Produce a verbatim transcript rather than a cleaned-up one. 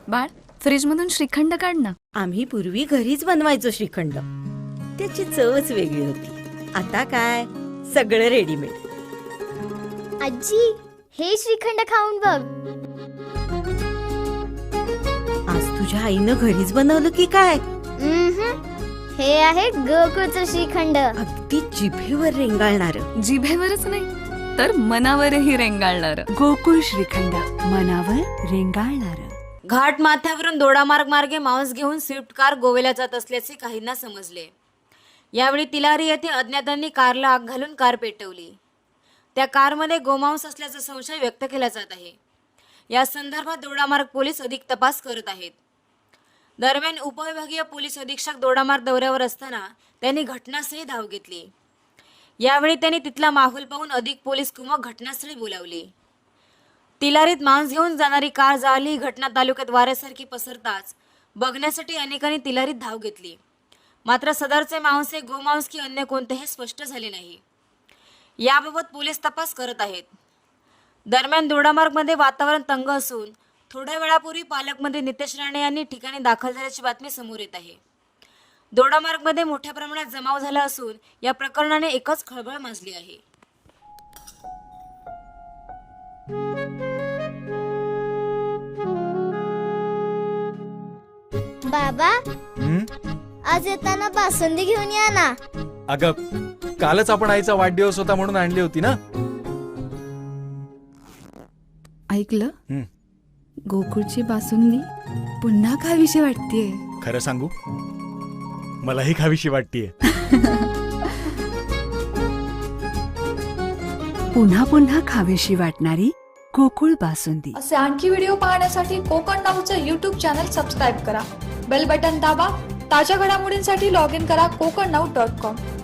बाळ, फ्रीज मधून श्रीखंड काढ ना. आम्ही पूर्वी घरीच बनवायचो श्रीखंड. त्याची चवच वेगळी होती. आता काय सगळं रेडीमेड. आजी, हे श्रीखंड खाऊन बघ. आज तुझ्या आईनं घरीच बनवलं की काय? उम्हम. हे आहे गोकुळचं श्रीखंड. अगदी जिभेवर रेंगाळणार. जिभेवरच नाही तर मनावरही रेंगाळणार. गोकुळ श्रीखंड, मनावर रेंगाळणार. घाट माथ्यावरून दोडामार्ग मार्गे मांस घेऊन स्विफ्ट कार गोव्याला जात असल्याचे काहींना समजले. यावेळी तिलारी येथे अज्ञातांनी कारला आग घालून कार पेटवली. त्या कारमध्ये गोमांस असल्याचा संशय व्यक्त केला जात आहे. या संदर्भात दोडामार्ग पोलीस अधिक तपास करत आहेत. दरम्यान उपविभागीय पोलीस अधीक्षक दोडामार्ग दौऱ्यावर असताना त्यांनी घटनास्थळी धाव घेतली. यावेळी त्यांनी तिथला माहोल पाहून अधिक पोलीस कुमक घटनास्थळी बोलावली. तिलारीत मांस घेऊन जाणारी कार जाळली. घटना तालुक्यात वाऱ्यासारखी पसरताच बघण्यासाठी अनेकांनी तिलारीत धाव घेतली. मात्र सदरचे मांस हे गोमांस की अन्य कोणतेही स्पष्ट झाले नाही. याबाबत पोलीस तपास करत आहेत. दरम्यान दोडामार्गमध्ये वातावरण तंग असून थोड्या वेळापूर्वी पालकमंत्री नितेश राणे यांनी ठिकाणी दाखल झाल्याची बातमी समोर येत आहे. दोडामार्गमध्ये मोठ्या प्रमाणात जमाव झाला असून या प्रकरणाने एकच खळबळ माजली आहे. बाबा, हं? आज येताना बासुंदी घेऊन या ना. अगं, कालच आपण आईचा वाढदिवस होता म्हणून आणली होती ना. ऐकलं? हं. गोकुळची बासुंदी पुन्हा खावीशी वाटतेय. खरं सांगू, मलाही खावीशी वाटतीये. पुन्हा पुन्हा खावीशी वाटणारी गोकुळ बासुंदी. असे आणखी व्हिडिओ पाहण्यासाठी कोकण नाऊचं यूट्यूब चॅनल सबस्क्राईब करा. बेल बटन दाबा. ताज्या घडामोडींसाठी लॉग इन करा कोकण नाऊ डॉट कॉम.